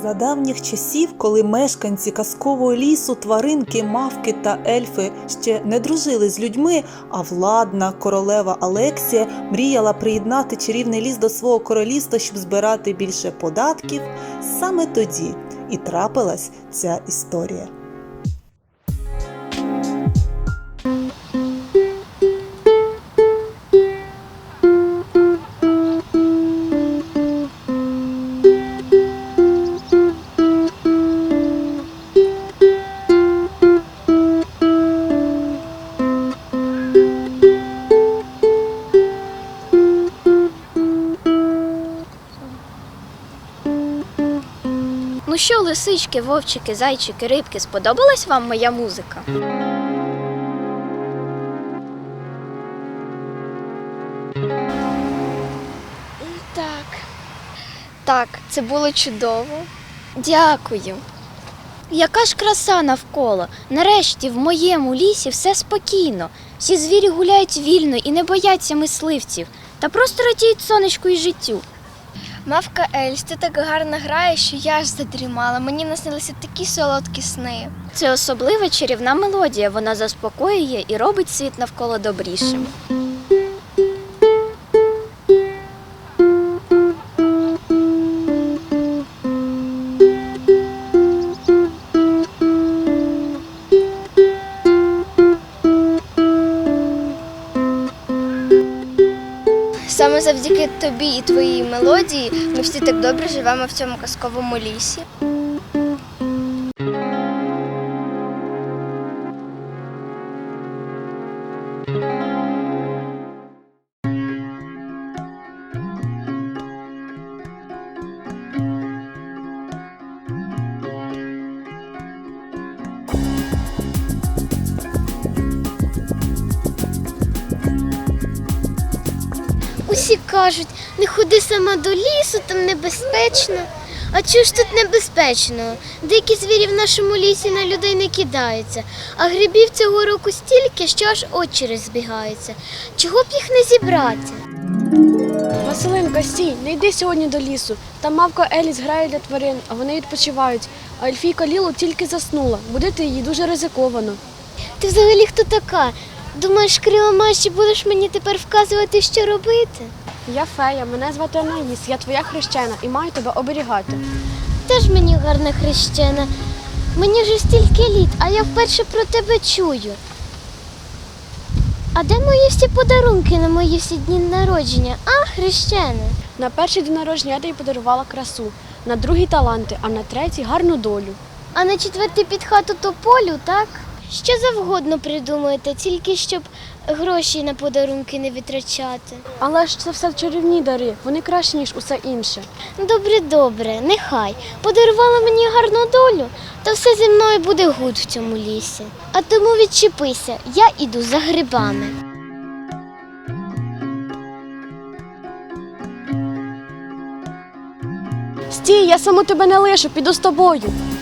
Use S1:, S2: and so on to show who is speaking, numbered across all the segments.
S1: За давніх часів, коли мешканці казкового лісу, тваринки, мавки та ельфи ще не дружили з людьми, а владна королева Алексія мріяла приєднати чарівний ліс до свого королівства, щоб збирати більше податків, саме тоді і трапилась ця історія.
S2: Ну що, лисички, вовчики, зайчики, рибки, сподобалась вам моя музика? Так, це було чудово. Дякую. Яка ж краса навколо. Нарешті в моєму лісі все спокійно. Всі звірі гуляють вільно і не бояться мисливців. Та просто радіють сонечку і життю.
S3: Мавка Ельс, ти так гарно граєш, що я аж задрімала. Мені наснилися такі солодкі сни.
S2: Це особлива чарівна мелодія. Вона заспокоює і робить світ навколо добрішим.
S3: Саме завдяки тобі і твоїй мелодії ми всі так добре живемо в цьому казковому лісі.
S4: Усі кажуть, не ходи сама до лісу, там небезпечно. А чого ж тут небезпечно? Дикі звірі в нашому лісі на людей не кидаються, а грибів цього року стільки, що аж очі розбігаються. Чого б їх не зібрати?
S5: Василинка, стій, не йди сьогодні до лісу. Там мавка Еліс грає для тварин, а вони відпочивають. А Ельфійка Лілу тільки заснула. Будити її дуже ризиковано.
S4: Ти взагалі хто така? Думаєш, крила маєш і будеш мені тепер вказувати, що робити?
S5: Я фея, мене звати Анаїс, я твоя хрещена і маю тебе оберігати.
S4: Теж мені гарна хрещена. Мені вже стільки літ, а я вперше про тебе чую. А де мої всі подарунки на мої всі дні народження? А, хрещена?
S5: На перший день народження я тобі подарувала красу, на другий таланти, а на третій гарну долю.
S4: А на четвертий під хату тополю, так? Що завгодно придумаєте, тільки щоб гроші на подарунки не витрачати.
S5: Але ж це все чарівні дари, вони кращі, ніж усе інше.
S4: Добре, нехай. Подарувала мені гарну долю, то все зі мною буде гуд в цьому лісі. А тому відчепися, я іду за грибами.
S5: Стій, я саму тебе не лишу, піду з тобою.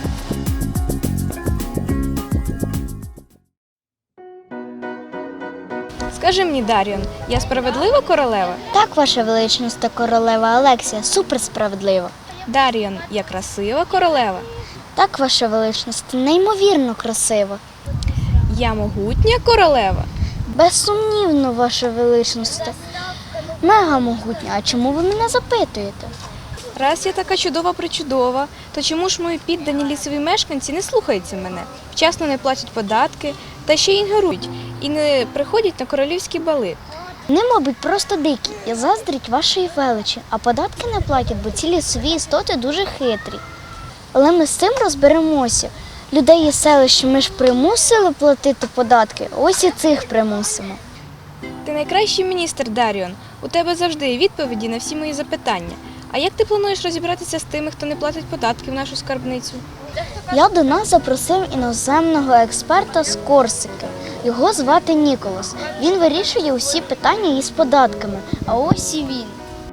S6: Скажи мені, Дар'ян, я справедлива королева?
S4: Так, ваша величність та королева Алексія, суперсправедливо.
S6: Дар'ян, я красива королева?
S4: Так, ваша величність, неймовірно красиво.
S6: Я могутня королева?
S4: Безсумнівно, ваша величність. Мега могутня, а чому ви мене запитуєте?
S6: Раз я така чудова-причудова, то чому ж мої піддані лісові мешканці не слухаються мене? Вчасно не платять податки, та ще й ігнорують, і не приходять на королівські бали.
S4: Вони, мабуть, просто дикі і заздрять вашої величі, а податки не платять, бо ці лісові істоти дуже хитрі. Але ми з цим розберемося. Людей із селища ми ж примусили платити податки, ось і цих примусимо.
S6: Ти найкращий міністр, Дар'ян. У тебе завжди є відповіді на всі мої запитання. А як ти плануєш розібратися з тими, хто не платить податки в нашу скарбницю?
S4: Я до нас запросив іноземного експерта з Корсики. Його звати Ніколас. Він вирішує усі питання із податками. А ось і він.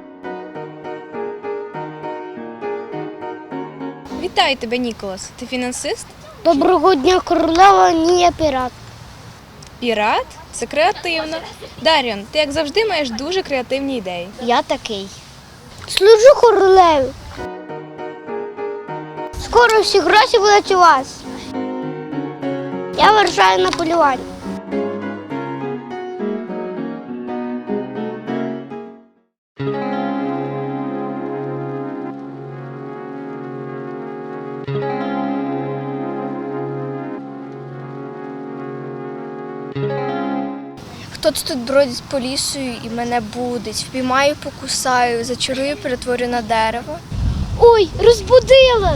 S6: Вітаю тебе, Ніколас. Ти фінансист?
S4: Доброго дня, королева, ні, я пірат.
S6: Пірат? Це креативно. Дар'ян, ти, як завжди, маєш дуже креативні ідеї.
S4: Я такий. Служу королеві. Скоро всі гроші будуть у вас. Я вирушаю на полювання.
S3: Хтось тут бродить по лісу і мене будить. Впіймаю, покусаю, зачарую, перетворю на дерево.
S4: Ой, розбудила!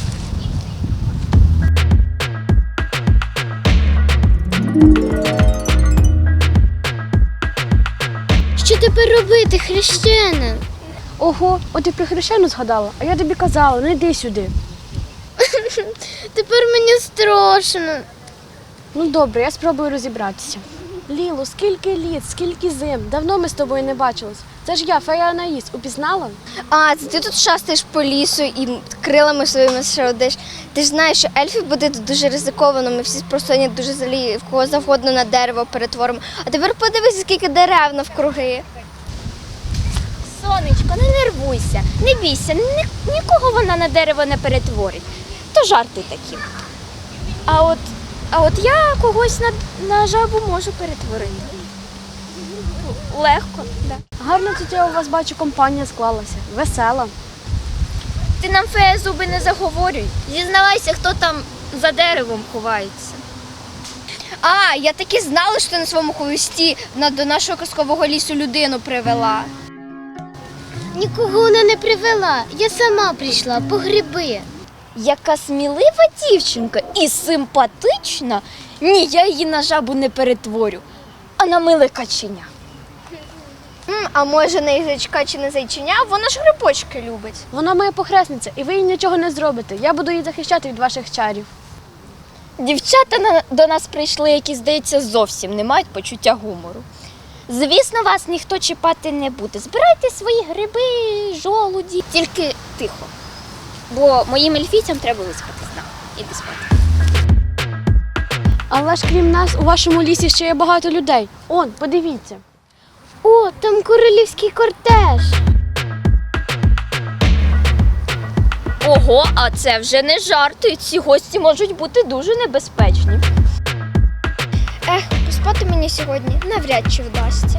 S4: Що тепер робити, хрещена?
S5: Ого, от ти про хрещену згадала, а я тобі казала, не йди сюди.
S4: Тепер мені страшно.
S5: Ну добре, я спробую розібратися. Ліло, скільки літ, скільки зим, давно ми з тобою не бачились. Це ж я, фея Анаїс, упізнала?
S3: А, це ти тут шастаєш по лісу і крилами своїми шародиш. Ти ж знаєш, що ельфів буде тут дуже ризиковано, ми всі просто дуже залі, в кого завгодно на дерево перетворимо. А тепер подивися, скільки дерев навкруги.
S2: Сонечко, не нервуйся, не бійся, нікого вона на дерево не перетворить. То жарти такі. А от я когось на жабу можу перетворити. Легко, да.
S5: Гарно тут я у вас бачу, компанія склалася, весела.
S2: Ти нам, фея, зуби не заговорюй. Зізнавайся, хто там за деревом ховається.
S3: А, я таки знала, що ти на своєму хвості до нашого казкового лісу людину привела.
S4: Нікого вона не привела. Я сама прийшла по гриби.
S2: Яка смілива дівчинка і симпатична. Ні, я її на жабу не перетворю, а на миле каченя.
S3: А може не язичка чи не зайчиня, вона ж грибочки любить.
S5: Вона моя похресниця, і ви їй нічого не зробите. Я буду її захищати від ваших чарів.
S2: Дівчата до нас прийшли, які, здається, зовсім не мають почуття гумору. Звісно, вас ніхто чіпати не буде. Збирайте свої гриби, жолуді. Тільки тихо. Бо моїм ельфійцям треба виспатись. Іди спати.
S5: Але ж крім нас, у вашому лісі ще є багато людей. Он, подивіться.
S4: О, там королівський кортеж.
S2: Ого, а це вже не жарти. Ці гості можуть бути дуже небезпечні.
S3: Поспати мені сьогодні навряд чи вдасться.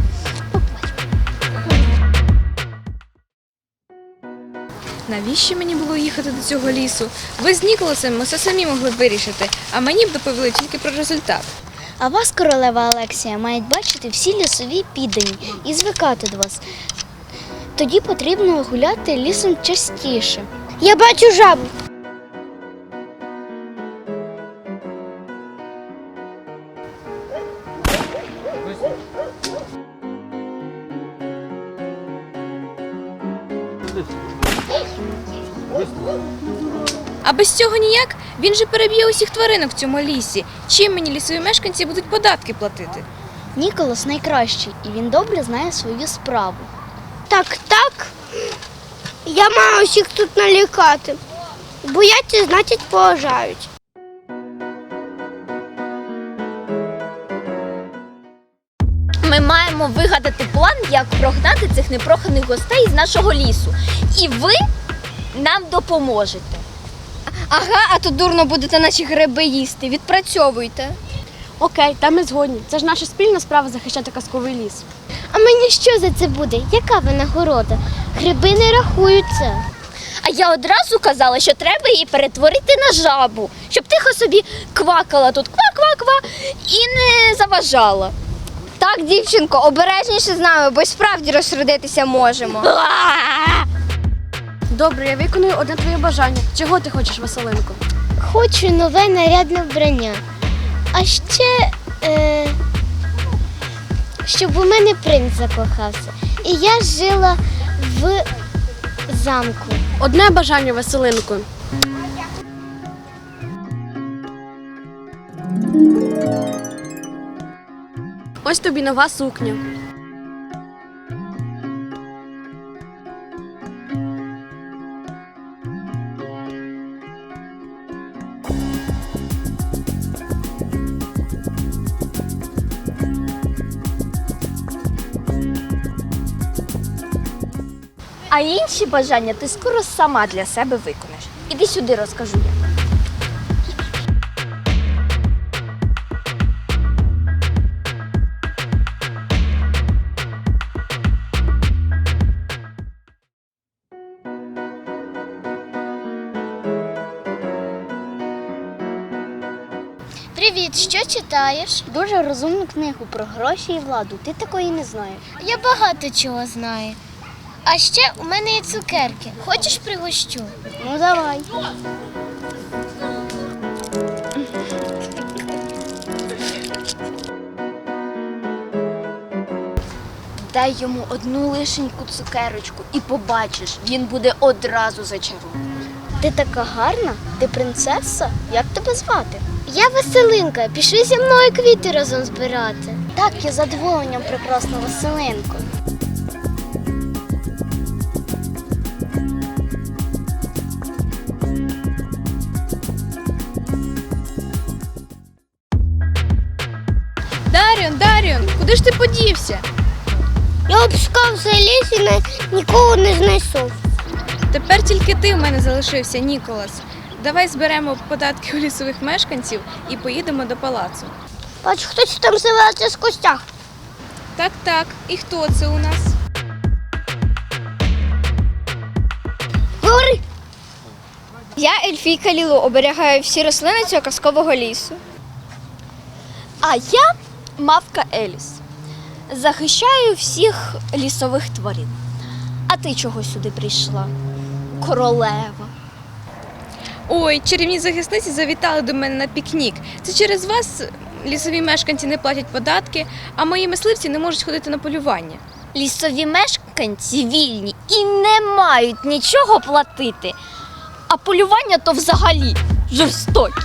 S6: Навіщо мені було їхати до цього лісу? Ви з Ніколасом ми все самі могли б вирішити, а мені б доповіли тільки про результат.
S4: А вас, королева Алексія, мають бачити всі лісові піддані і звикати до вас. Тоді потрібно гуляти лісом частіше. Я бачу жабу.
S6: А без цього ніяк? Він же переб'є усіх тваринок в цьому лісі. Чим мені лісові мешканці будуть податки платити?
S4: Ніколас найкращий, і він добре знає свою справу. Так. Я маю усіх тут налякати. Бояться, значить, поважають.
S2: Ми маємо вигадати план, як прогнати цих непроханих гостей з нашого лісу. І ви нам допоможете.
S3: Ага, а то дурно будете наші гриби їсти. Відпрацьовуйте.
S5: Окей, та ми згодні. Це ж наша спільна справа захищати казковий ліс.
S4: А мені що за це буде? Яка винагорода? Гриби не рахуються.
S2: А я одразу казала, що треба її перетворити на жабу, щоб тихо собі квакала тут ква-ква-ква і не заважала.
S3: Так, дівчинко, обережніше з нами, бо й справді розсердитися можемо.
S5: Добре, я виконую одне твоє бажання. Чого ти хочеш, Василинко?
S4: Хочу нове нарядне вбрання. А ще, щоб у мене принц закохався. І я жила в замку.
S5: Одне бажання, Василинко. Ось тобі нова сукня.
S2: А інші бажання ти скоро сама для себе виконаєш. Іди сюди, розкажу я.
S4: Привіт, що читаєш?
S2: Дуже розумну книгу про гроші і владу. Ти такої не знаєш.
S4: Я багато чого знаю. А ще у мене є цукерки. Хочеш пригощу?
S2: Ну давай. Дай йому одну лишеньку цукерочку і побачиш, він буде одразу зачарований. Ти така гарна? Ти принцеса? Як тебе звати?
S4: Я Василинка, пішли зі мною квіти разом збирати.
S2: Так, я з задоволенням, прекрасна Василинко.
S6: Даріон, куди ж ти подівся?
S4: Я обшукав цей ліс і нікого не знайшов.
S6: Тепер тільки ти в мене залишився, Ніколас. Давай зберемо податки у лісових мешканців і поїдемо до палацу.
S4: Бач, хтось там з'явився з костях.
S6: Так. І хто це у нас?
S4: Говори.
S3: Я Ельфійка Лілу, оберігаю всі рослини цього казкового лісу.
S2: А я мавка Еліс. Захищаю всіх лісових тварин. А ти чого сюди прийшла? Королева.
S6: Ой, чарівні захисниці завітали до мене на пікнік. Це через вас лісові мешканці не платять податки, а мої мисливці не можуть ходити на полювання.
S2: Лісові мешканці вільні і не мають нічого платити. А полювання то взагалі жорстокі.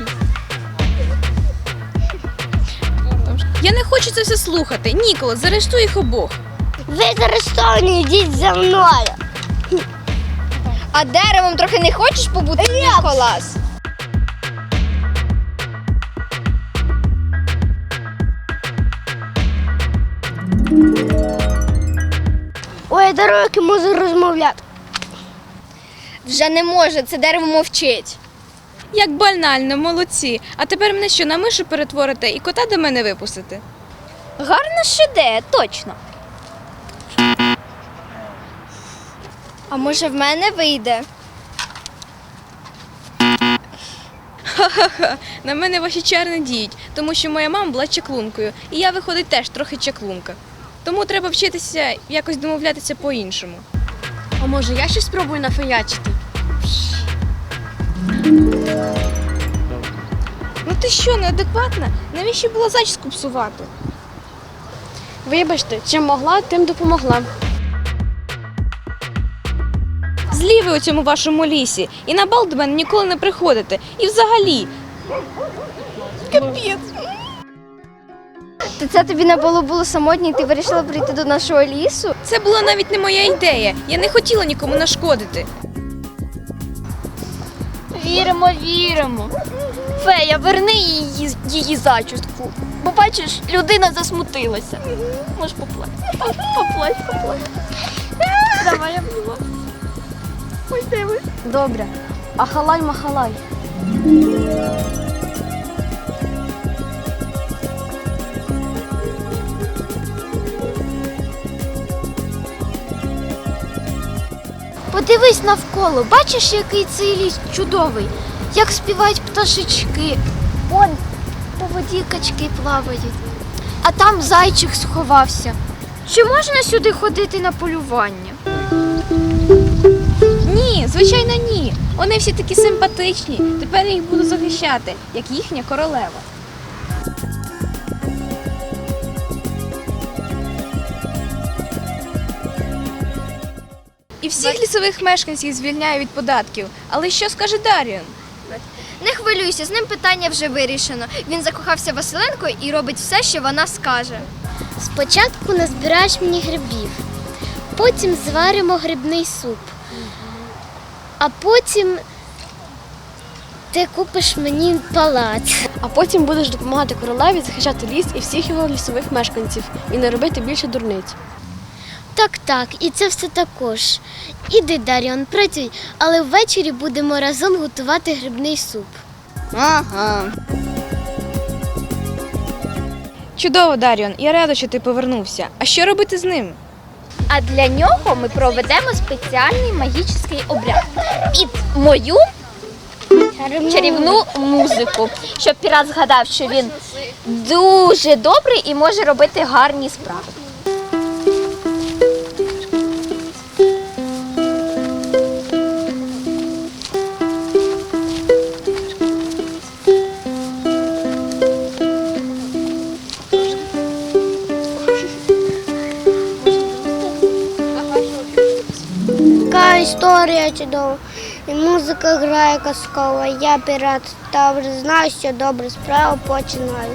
S6: Я не хочу це все слухати. Ніколас, заарештуй їх обох.
S4: Ви заарештовані, йдіть за мною.
S3: А деревом трохи не хочеш побути, Ніколас?
S4: Ой, дороги можу розмовляти.
S3: Вже не може, це дерево мовчить.
S6: Як банально, молодці. А тепер мене що, на мишу перетворите і кота до мене випустите?
S2: Гарна ж ідея, точно.
S3: А може в мене вийде?
S6: Ха-ха-ха, на мене ваші чари не діють, тому що моя мама була чаклункою, і я, виходить, теж трохи чаклунка. Тому треба вчитися якось домовлятися по-іншому.
S5: А може я щось спробую нафеячити?
S6: Ну ти що, неадекватна? Навіщо було зачіску псувати?
S5: Вибачте, чим могла, тим допомогла.
S6: Злі ви у цьому вашому лісі, і на бал до мене ніколи не приходите. І взагалі. Капець.
S3: То це тобі на балу було самотнє, і ти вирішила прийти до нашого лісу?
S6: Це була навіть не моя ідея. Я не хотіла нікому нашкодити.
S2: Віримо. Фея, верни її зачіску. Бо бачиш, людина засмутилася. Можеш поплакати. Поплач. Давай, я була. Ось диви.
S5: Добре. Ахалай-махалай.
S4: Подивись навколо, бачиш, який цей ліс чудовий, як співають пташечки. Вон по воді качки плавають, а там зайчик сховався. Чи можна сюди ходити на полювання?
S6: Ні, звичайно, ні. Вони всі такі симпатичні. Тепер я їх буду захищати, як їхня королева. І всіх лісових мешканців звільняю від податків. Але що скаже Даріон?
S3: Не хвилюйся, з ним питання вже вирішено. Він закохався Василинкою і робить все, що вона скаже.
S4: Спочатку назбираєш мені грибів, потім зваримо грибний суп, а потім ти купиш мені палац.
S5: А потім будеш допомагати королеві захищати ліс і всіх його лісових мешканців і не робити більше дурниць.
S4: Так, і це все також. Іди, Даріон, працюй, але ввечері будемо разом готувати грибний суп.
S3: Ага.
S6: Чудово, Даріон, я рада, що ти повернувся. А що робити з ним?
S2: А для нього ми проведемо спеціальний магічний обряд під мою чарівну музику, щоб пірат згадав, що він дуже добрий і може робити гарні справи.
S4: Така історія чудова. І музика грає казкова. Я пірат Тавр, знаю, що добру справу починаю.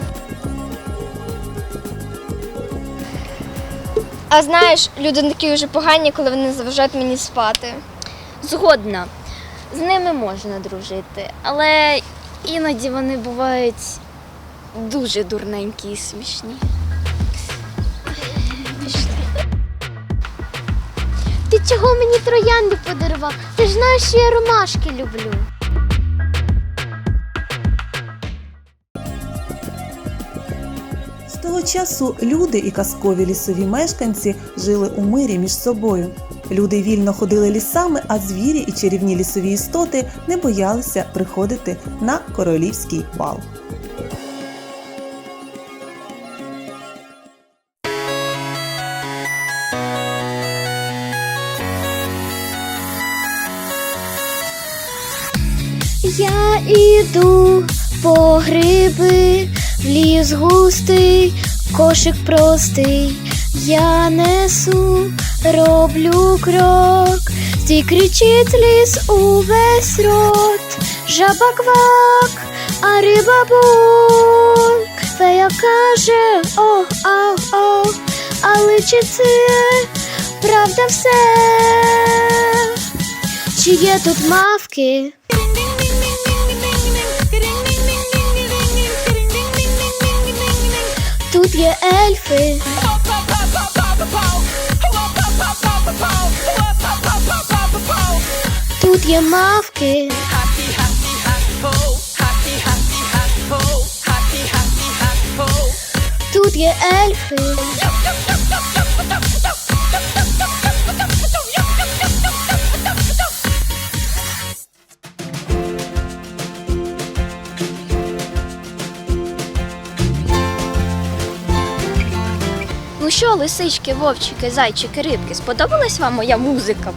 S3: А знаєш, люди такі вже погані, коли вони заважають мені спати.
S2: Згодна, з ними можна дружити, але іноді вони бувають дуже дурненькі і смішні.
S4: Ти чого мені троянди подарував? Ти ж знаєш, що я ромашки люблю.
S1: З того часу люди і казкові лісові мешканці жили у мирі між собою. Люди вільно ходили лісами, а звірі і чарівні лісові істоти не боялися приходити на королівський бал.
S4: Я іду по гриби, в ліс густий, кошик простий. Я несу, роблю крок, стій кричить ліс увесь рот. Жаба квак, а риба бук. Фея каже ох, ах, ох, але чи це правда все? Чи є тут мавки? Тут є ельфи. Тут є мавки. Тут є ельфи.
S2: Ну що, лисички, вовчики, зайчики, рибки, сподобалась вам моя музика?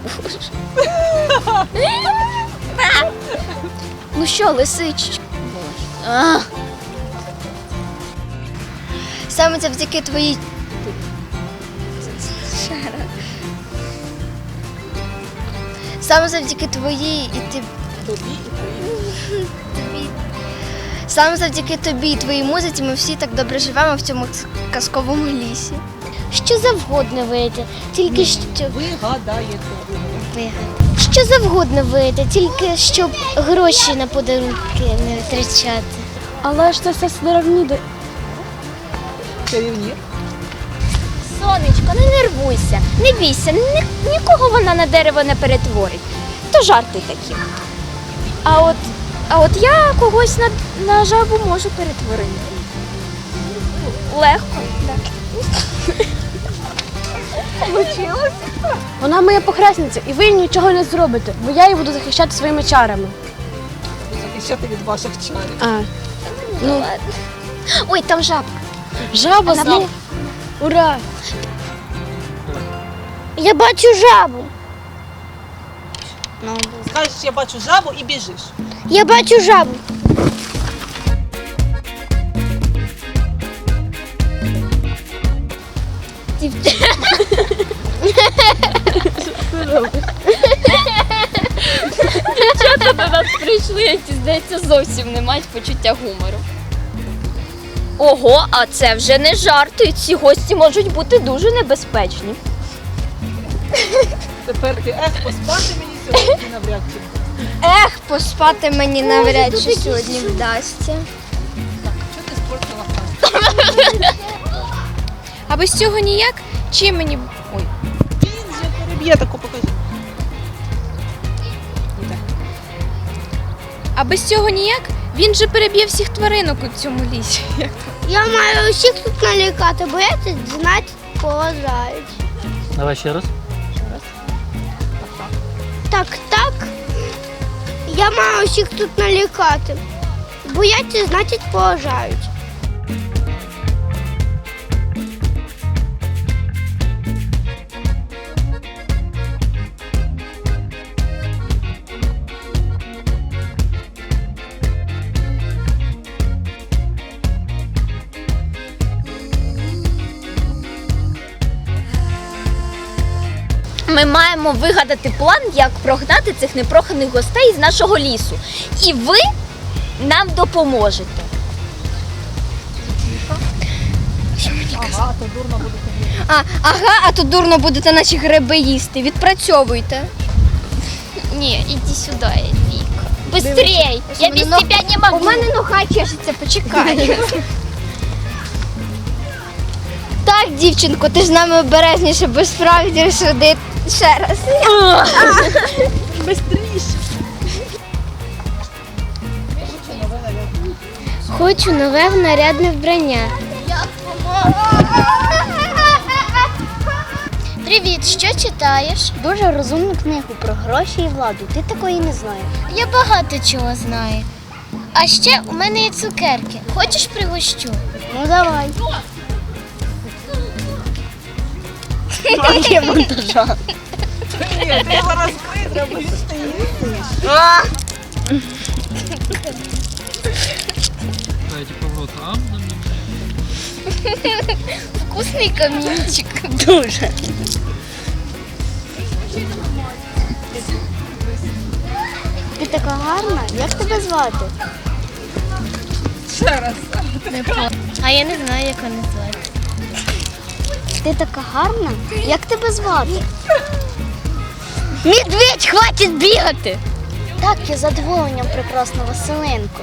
S2: Ну що, лисички?
S3: Саме завдяки твоїй. Саме завдяки твоїй і ти. Саме завдяки тобі і твоїй музиці ми всі так добре живемо в цьому казковому лісі.
S4: Що завгодно вийде, тільки що
S1: Вигадаєте.
S4: що завгодно вийде, тільки щоб гроші на подарунки не витрачати.
S5: Але ж це все сировні.
S1: Чарівні.
S2: Сонечко, не нервуйся, не бійся, нікого вона на дерево не перетворить. То жарти такі. А от я когось на жабу можу перетворити. Легко, так. Получилось?
S5: Вона моя похресниця, і ви нічого не зробите, бо я її буду захищати своїми чарами.
S1: Захищати від ваших чарів.
S5: А, ну,
S2: Ладно. Ой, там жабка.
S5: жаба
S2: Вона
S5: знов. Ура!
S4: Я бачу жабу.
S1: Скажеш, я бачу жабу і біжиш.
S4: Я бачу жабу.
S2: Дівчата до нас прийшли, які, здається, зовсім не мають почуття гумору. Ого, а це вже не жарти. Ці гості можуть бути дуже небезпечні.
S1: Тепер ти поспати мені сьогодні навряд чи.
S3: Ех, поспати мені навряд чи сьогодні вдасться.
S1: Що ти спортила план?
S6: А без цього ніяк? Чим мені. Ой.
S1: б'є таку, покажи.
S6: А без цього ніяк? Він же переб'є всіх тваринок у цьому лісі.
S4: Я маю усіх тут налякати, бо я тут знати поважають.
S7: Давай ще раз.
S4: Так. Я маю усіх тут налякати. Бояться, значить поважають.
S2: Ми маємо вигадати план, як прогнати цих непроханих гостей з нашого лісу. І ви нам допоможете.
S3: А то дурно будете наші гриби їсти. Відпрацьовуйте.
S2: Ні, іди сюди, Віка. Быстрей! Я без тебе не могу.
S3: У мене нога чешеться, почекай. Так, дівчинко, ти ж з нами обережніше, бо справді сюди ще раз.
S4: Хочу нове нарядне вбрання. Привіт, що читаєш?
S8: Дуже розумну книгу про гроші і владу. Ти такої не знаєш.
S4: Я багато чого знаю. А ще у мене є цукерки. Хочеш пригощу?
S8: Ну давай.
S1: Ні, ти його розкрий, треба їсти.
S7: Дайте поворот.
S2: Вкусний камінчик.
S8: Дуже. Ти така гарна. Як тебе звати?
S4: А я не знаю, як вони звати.
S8: Ти така гарна. Як тебе звати?
S2: Медведь, хватить бігати!
S8: Так, я з задоволенням, прекрасна Василенко.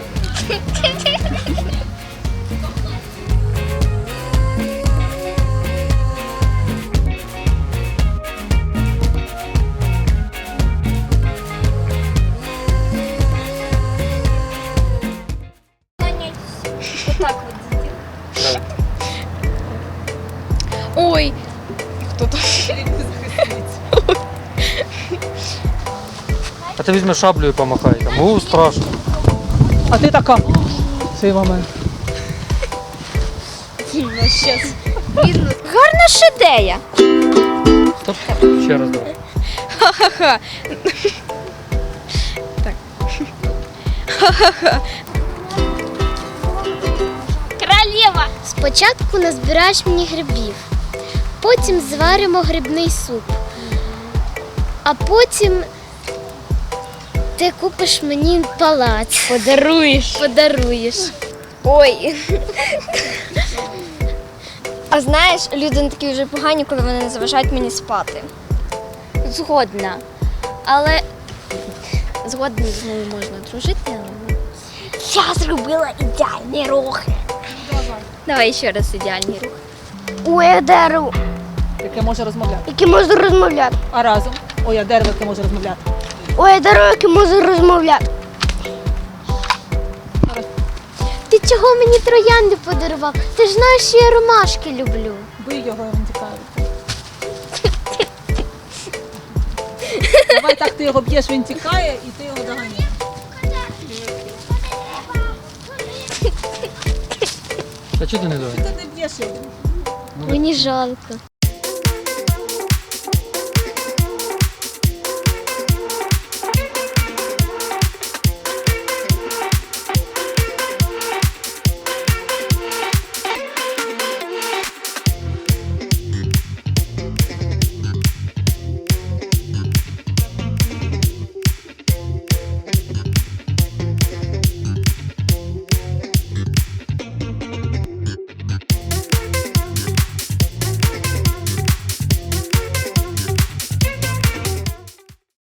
S6: Ой,
S7: А ти візьми шаблю і помахай там. Страшно.
S1: А ти така. Цей момент.
S2: Гарна ж ідея.
S7: Стоп. Ще раз давай.
S6: ха-ха-ха.
S2: Королева!
S4: Спочатку назбираєш мені грибів, потім зваримо грибний суп, а потім ти купиш мені палац. Подаруєш.
S3: Ой. А знаєш, люди не такі вже погані, коли вони не заважають мені спати.
S2: Згодна. Але згодна з мною можна дружити, але... Я зробила ідеальні рухи. Давай ще раз ідеальні рухи.
S4: Ой, я дерево,
S1: Яке може розмовляти.
S4: яке можу розмовляти.
S1: А разом. Ой, а дерево, яке може розмовляти.
S4: Ой, я дерево, яке можу розмовляти. Ти чого мені троянди подарував? Ти ж знаєш, що я ромашки люблю.
S1: Бий його, він тікає. Давай так, ти його б'єш, він тікає, і ти його доганяєш.
S7: А чого ти не давай?
S1: Ти не б'єш його.
S4: Мені жалко.